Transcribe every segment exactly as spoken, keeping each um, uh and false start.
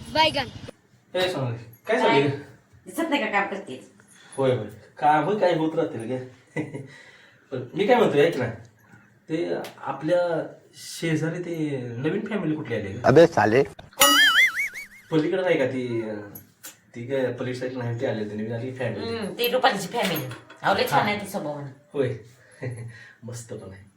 बैगन हे सोनाली काय चाललंय ग? दिसत नाही का काम करतेस? होय होय काम काय होत राहतील गे पण मी काय म्हणतोय ऐक ना ते आपल्या शेजारी ते नवीन फॅमिली कुठली आली ग? अबे साले पलीकडे नाही का ती अं, ती काय पलीकडे साईड नाही ती आली होती नवीन आली फॅमिली हम्म, ती रुपालीची फॅमिली आवले छान आहे ती स्वभाव म्हणून. होय मस्त पण आहे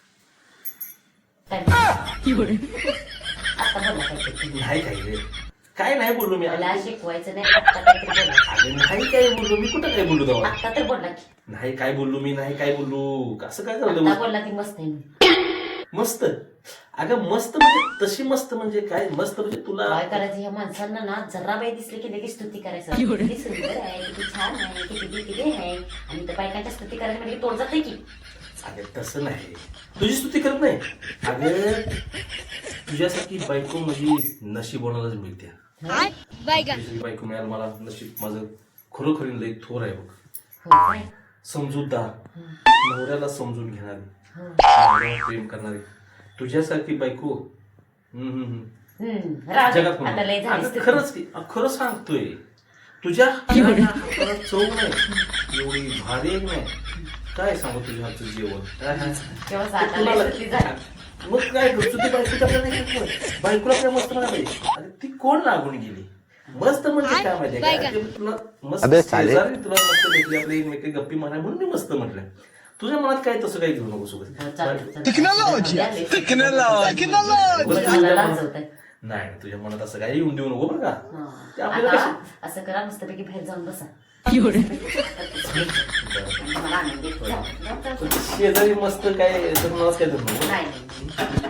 आता बोला काहीतरी. नाही काय रे काय नाही बोललो मी मला शिकवायचं नाही आता काहीतरी बोला. अरे नाही काय बोललो मी कुठं काय बोललो तेव्हा आता तर बोलला की नाही काय बोललो मी नाही काय बोललो असं काय आता झालं बोलला ती मस्त आहे. मस्त अगं मस्त म्हणजे तशी मस्त म्हणजे काय मस्त म्हणजे तुला काय करायचं ह्या माणसांना ना जरा बाई दिसली की लगेच स्तुती करायचं किती सुंदर आहे किती छान आहे किती किती आहे आणि त्या बायकांच्या स्तुती करायला म्हणजे तोड जाते की अगं तसं नाही तुझी स्तुती करत नाही अगं तुझ्यासारखी बायको माझी नशीबोनालाच मिळते बैगन तुझी बायको मिळायला मला नशीब माझं खरोखरी लई थोर आहे बघ हो काय? समजूतदार नवऱ्याला समजून घेणारी नवऱ्यावर प्रेम करणारी तुझ्यासारखी बायको हम्म, हम्म, हम्म. हम्म, राहू दे. जगात आता लय कोण- झाली अगं स्तुती. खरंच की अगं खरं सांगतोय तुझ्या हाताला चव नाही एवढी भारी आहे की नाही काय सांगू तुझ्या हातचं जेवण तेव्हा आता लय तुम्हाला- स्तुती झाली. मग काय करतो ती बायकोच्या आपल्याला नाही करत कोण. बायकोला काय मस्त म्हणायला पाहिजे अरे ती कोण लागून गेली मस्त म्हणजे काय माहितीये का बायका. ते तुला मस्त अबे साले. शेजारी तुला मस्त भेटली आपली एकमेकी गप्पी मारा म्हणून मी मस्त म्हटलं तुझ्या मनात काय तसं काही घेऊ नको हो, सोबत चालेल, चालेल. टेक्नॉलॉजी झाली. टेक्नॉलॉजी बरं, मला लाजवतंय. नाही तुझ्या मनात असं काही येऊन देऊ नको बरं का हा. ते आपल्याला आता असं करा मस्तपैकी बाहेर जाऊन बसा मला आनंद येतो. जाऊ, जाऊ, जाऊ. शेजारी मस्त काय तर मलाच काय तर नको नाही नाही